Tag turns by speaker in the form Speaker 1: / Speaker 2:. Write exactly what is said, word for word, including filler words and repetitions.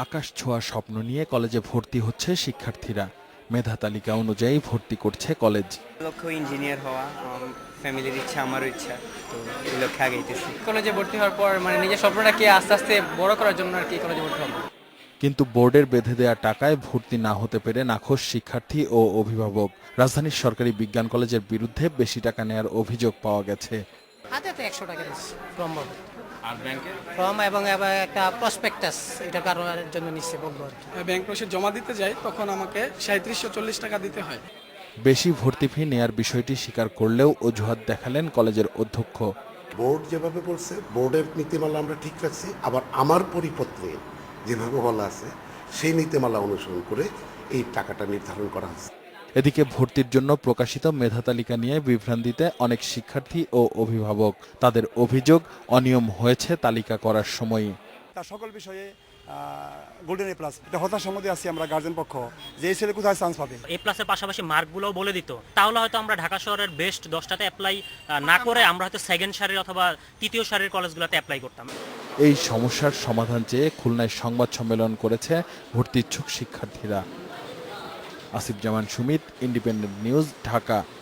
Speaker 1: আকাশ ছোঁয়া স্বপ্ন নিয়ে কলেজে ভর্তি হচ্ছে শিক্ষার্থীরা। মেধা তালিকা অনুযায়ী ভর্তি করছে কলেজ।
Speaker 2: লক্ষ্য ইঞ্জিনিয়ার হওয়া, ফ্যামিলির ইচ্ছা, আমারও ইচ্ছা, তো এই লক্ষ্যে আগেইতেছি।
Speaker 3: কলেজে ভর্তি হওয়ার পর মানে নিজের স্বপ্নটাকে আস্তে আস্তে বড় করার জন্য আর কি কলেজে ভর্তি হবো।
Speaker 1: কিন্তু বোর্ডের বেঁধে দেওয়া টাকায় ভর্তি না হতে পেরে নাখোশ শিক্ষার্থী ও অভিভাবক। রাজধানীর সরকারি বিজ্ঞান কলেজের বিরুদ্ধে বেশি টাকা নেয়ার অভিযোগ পাওয়া গেছে।
Speaker 3: হাতে তো একশো টাকা দিচ্ছি ফর্ম ভরতে।
Speaker 4: আর ব্যাংকে
Speaker 3: ফর্ম এবং এবার একটা প্রসপেক্টাস এটা কারণের জন্য নিচ্ছে বলবো আর কি।
Speaker 5: ব্যাংক রসিদ জমা দিতে যাই তখন আমাকে সাঁত্রিশশো চল্লিশ টাকা দিতে হয়।
Speaker 1: বেশি ভর্তি ফি নেয়ার বিষয়টি স্বীকার করলেও অজুহাত দেখালেন কলেজের অধ্যক্ষ।
Speaker 6: বোর্ড যেভাবে বলছে, বোর্ডের নীতিমালা আমরা ঠিক রাখছি, আবার আমার পরিপত্রে যেভাবে বলা আছে সেই নীতিমালা অনুসরণ করে এই টাকাটা নির্ধারণ করা হয়েছে।
Speaker 1: এদিকে ভর্তির জন্য প্রকাশিত মেধা তালিকা নিয়ে বিভ্রান্তিতে অনেক শিক্ষার্থী ও অভিভাবক। তাদের অভিযোগ, অনিয়ম হয়েছে তালিকা করার সময়ই।
Speaker 7: তার সকল বিষয়ে গোল্ডেন এ প্লাস, এটা হতাশার মধ্যে আছি আমরা গার্জেন পক্ষ, যে এই ছেলে কোথায় চান্স পাবে।
Speaker 8: এ প্লাসের পাশাপাশি মার্কগুলোও বলে দিত, তাহলে হয়তো আমরা ঢাকা শহরের বেস্ট দশটাতে অ্যাপ্লাই না করে আমরা হয়তো সেকেন্ড সারির অথবা তৃতীয় সারির কলেজগুলোতে অ্যাপ্লাই করতাম।
Speaker 1: এই সমস্যার সমাধান চেয়ে খুলনায় সংবাদ সম্মেলন করেছে ভর্তি ইচ্ছুক শিক্ষার্থীরা। Asif Zaman Sumit, independent news, Dhaka.